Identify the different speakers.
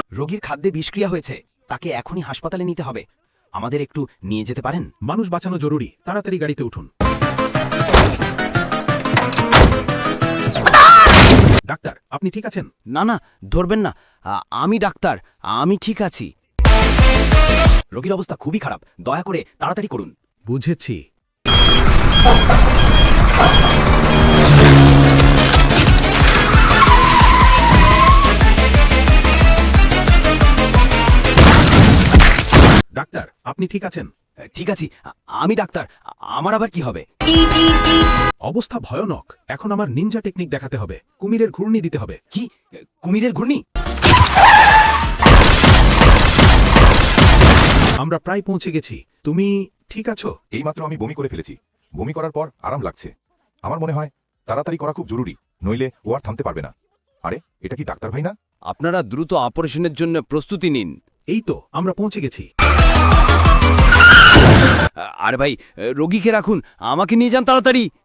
Speaker 1: রোগীর খাদ্যে বিষক্রিয়া হয়েছে, তাকে এখনই হাসপাতালে নিতে হবে। আমাদের একটু নিয়ে যেতে পারেন?
Speaker 2: মানুষ বাঁচানো জরুরি, তাড়াতাড়ি গাড়িতে উঠুন। ডাক্তার, আপনি ঠিক আছেন?
Speaker 1: না না, ধরবেন না। আমি ডাক্তার, আমি ঠিক আছি। রোগীর অবস্থা খুবই খারাপ, দয়া করে তাড়াতাড়ি করুন।
Speaker 2: বুঝেছি। ডাক্তার, আপনি ঠিক আছেন?
Speaker 1: ঠিক আছি, আমি ডাক্তার। আমার আবার কি হবে?
Speaker 2: অবস্থা ভয়ানক। এখন আমার নিনজা টেকনিক দেখাতে হবে। কুমিরের ঘূর্ণি দিতে হবে।
Speaker 1: কি? কুমিরের ঘূর্ণি?
Speaker 2: আমরা প্রায় পৌঁছে গেছি। তুমি ঠিক আছো?
Speaker 3: এইমাত্র আমি বমি করে ফেলেছি। বমি করার পর আরাম লাগছে। আমার মনে হয় তাড়াতাড়ি করা খুব জরুরি, নইলে ও আর থামতে পারবে না। আরে, এটা কি ডাক্তার ভাই না?
Speaker 1: আপনারা দ্রুত অপারেশনের জন্য প্রস্তুতি নিন।
Speaker 2: এই তো আমরা পৌঁছে গেছি।
Speaker 1: আরে ভাই, রোগীকে রাখুন, আমাকে নিয়ে যান তাড়াতাড়ি।